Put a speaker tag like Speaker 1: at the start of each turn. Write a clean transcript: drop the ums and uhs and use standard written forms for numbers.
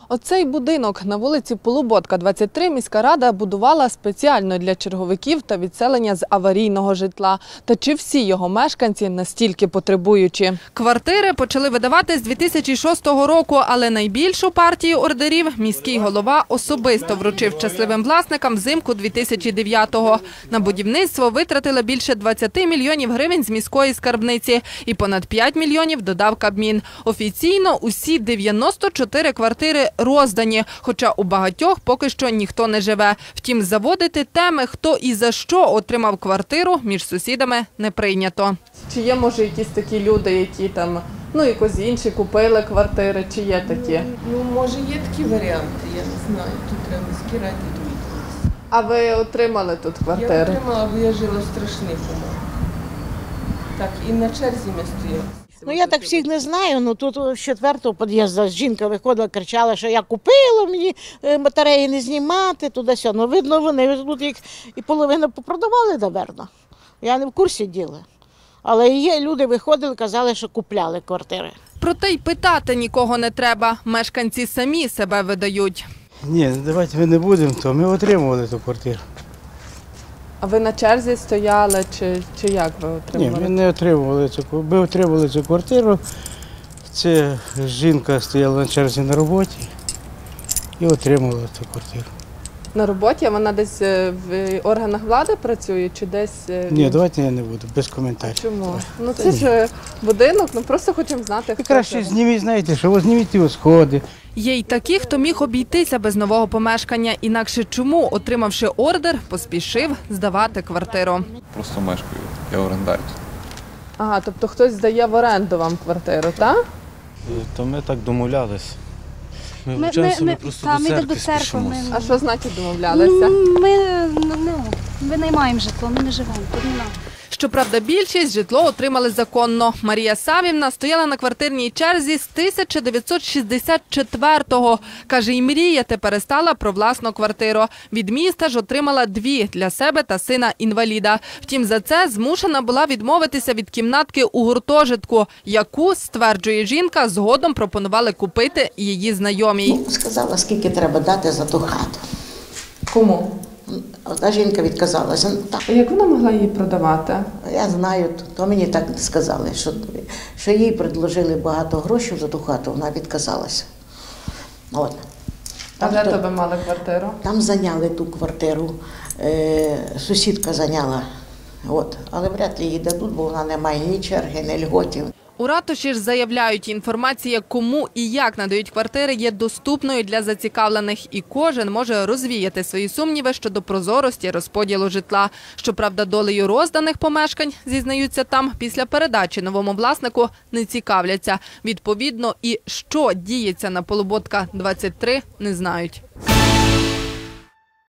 Speaker 1: Оцей будинок на вулиці Полуботка, 23, міська рада будувала спеціально для черговиків та відселення з аварійного житла. Та чи всі його мешканці настільки потребуючі? Квартири почали видавати з 2006 року, але найбільшу партію ордерів міський голова особисто вручив щасливим власникам взимку 2009-го. На будівництво витратили більше 20 мільйонів гривень з міської скарбниці і понад 5 мільйонів додав Кабмін. Офіційно усі 94 квартири роздані, хоча у багатьох поки що ніхто не живе. Втім, заводити теми, хто і за що отримав квартиру, між сусідами не прийнято. Чи є, може, якісь такі люди, які там, якось інші купили квартири, чи є такі?
Speaker 2: Може, є такі варіанти, я не знаю, тут треба міській раді довідатися.
Speaker 1: А ви отримали тут квартири?
Speaker 2: Я отримала, бо я жила в страшних умовах. Так, і на черзі ми стояли.
Speaker 3: Я так всіх не знаю, тут з 4-го під'їзду жінка виходила, кричала, що я купила, мені батареї не знімати, туди-сюди. Видно, вони тут їх і половину попродавали, напевно. Я не в курсі діла. Але є люди виходили, казали, що купляли квартири.
Speaker 1: Проте й питати нікого не треба. Мешканці самі себе видають.
Speaker 4: Ні, давайте ми не будемо, то ми отримували ту квартиру.
Speaker 1: А ви на черзі стояли, чи як ви отримали?
Speaker 4: Ні, ми не отримували цю квартиру. Ми отримали цю квартиру. Це жінка стояла на черзі на роботі і отримала цю квартиру.
Speaker 1: На роботі? А вона десь в органах влади працює чи десь?
Speaker 4: Ні, давайте я не буду, без коментарів.
Speaker 1: Чому? Це ж будинок, просто хочемо знати, хто
Speaker 4: Краще
Speaker 1: це.
Speaker 4: зніміть, знаєте, що зніміть його сходи.
Speaker 1: Є й такі, хто міг обійтися без нового помешкання. Інакше чому, отримавши ордер, поспішив здавати квартиру?
Speaker 5: Просто мешкаю, я орендар.
Speaker 1: Ага, тобто хтось здає в оренду вам квартиру, так?
Speaker 6: То ми так домовлялись. Ми вчасно, ми просто до церкви спішимо.
Speaker 1: А що значить домовлялися?
Speaker 7: Ми винаймаємо житло, ми не живемо, тут не нам.
Speaker 1: Щоправда, більшість житло отримали законно. Марія Савівна стояла на квартирній черзі з 1964-го. Каже, і мріяти перестала про власну квартиру. Від міста ж отримала 2 для себе та сина-інваліда. Втім, за це змушена була відмовитися від кімнатки у гуртожитку, яку, стверджує жінка, згодом пропонували купити її знайомій.
Speaker 3: Сказала, скільки треба дати за ту хату.
Speaker 1: Кому?
Speaker 3: Та жінка відказалася.
Speaker 1: Як вона могла її продавати?
Speaker 3: Я знаю, то мені так сказали, що їй предложили багато грошей за ту хату, вона відказалася.
Speaker 1: А де тебе мали квартиру?
Speaker 3: Там зайняли ту квартиру, сусідка зайняла, але вряд ли їй дадуть, бо вона не має ні черги, ні льготів.
Speaker 1: У ратуші ж заявляють, інформація, кому і як надають квартири, є доступною для зацікавлених. І кожен може розвіяти свої сумніви щодо прозорості розподілу житла. Щоправда, долею розданих помешкань, зізнаються там, після передачі новому власнику не цікавляться. Відповідно, і що діється на Полуботка, 23, не знають.